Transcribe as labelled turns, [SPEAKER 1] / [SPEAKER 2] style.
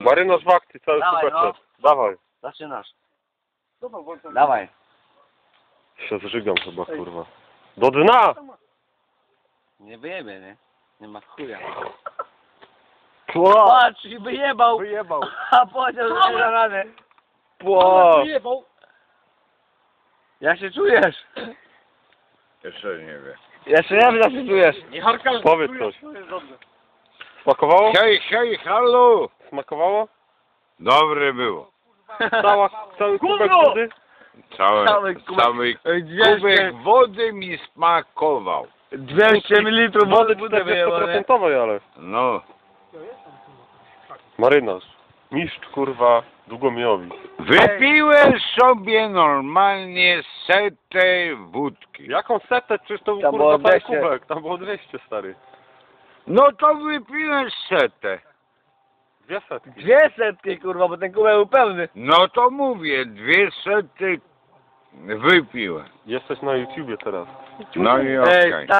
[SPEAKER 1] Marynarz w akcji, cały
[SPEAKER 2] Dawaj,
[SPEAKER 1] super. Dawaj.
[SPEAKER 2] Zaczynasz. Dawaj.
[SPEAKER 1] Się zżygam chyba, kurwa. Do dna!
[SPEAKER 2] Nie wyjebie, nie? Nie ma chuja.
[SPEAKER 1] Pła!
[SPEAKER 2] Patrz, i wyjebał.
[SPEAKER 1] Wyjebał.
[SPEAKER 2] A powiedział, że nie da rady.
[SPEAKER 1] Pła!
[SPEAKER 2] Jak się czujesz?
[SPEAKER 3] Jeszcze nie wiem.
[SPEAKER 2] Jeszcze nie wiem, jak się czujesz.
[SPEAKER 1] Powiedz coś. Smakowało?
[SPEAKER 3] Hej, hej, halo!
[SPEAKER 1] Smakowało?
[SPEAKER 3] Dobre było.
[SPEAKER 1] Cały kubek wody?
[SPEAKER 2] Cały kubek.
[SPEAKER 3] Cały
[SPEAKER 2] 200
[SPEAKER 3] kubek wody mi smakował.
[SPEAKER 2] 200 ml
[SPEAKER 1] Wody
[SPEAKER 2] budę wyjebał, nie?
[SPEAKER 1] 40%, ale.
[SPEAKER 3] No.
[SPEAKER 1] Marynarz. Mistrz, kurwa, Długomijowi.
[SPEAKER 3] Wypiłem sobie normalnie setę wódki.
[SPEAKER 1] Jaką setę? Przecież to był,
[SPEAKER 2] Tam
[SPEAKER 1] kurwa,
[SPEAKER 2] było
[SPEAKER 1] cały
[SPEAKER 2] 200.
[SPEAKER 1] kubek. Tam było 200, stary.
[SPEAKER 3] No to wypiłem setę.
[SPEAKER 1] 200.
[SPEAKER 2] 200, kurwa, bo ten kubek był pełny.
[SPEAKER 3] No to mówię, 200 wypiłem.
[SPEAKER 1] Jesteś na YouTubie teraz.
[SPEAKER 3] No i
[SPEAKER 2] Ej,
[SPEAKER 3] okej.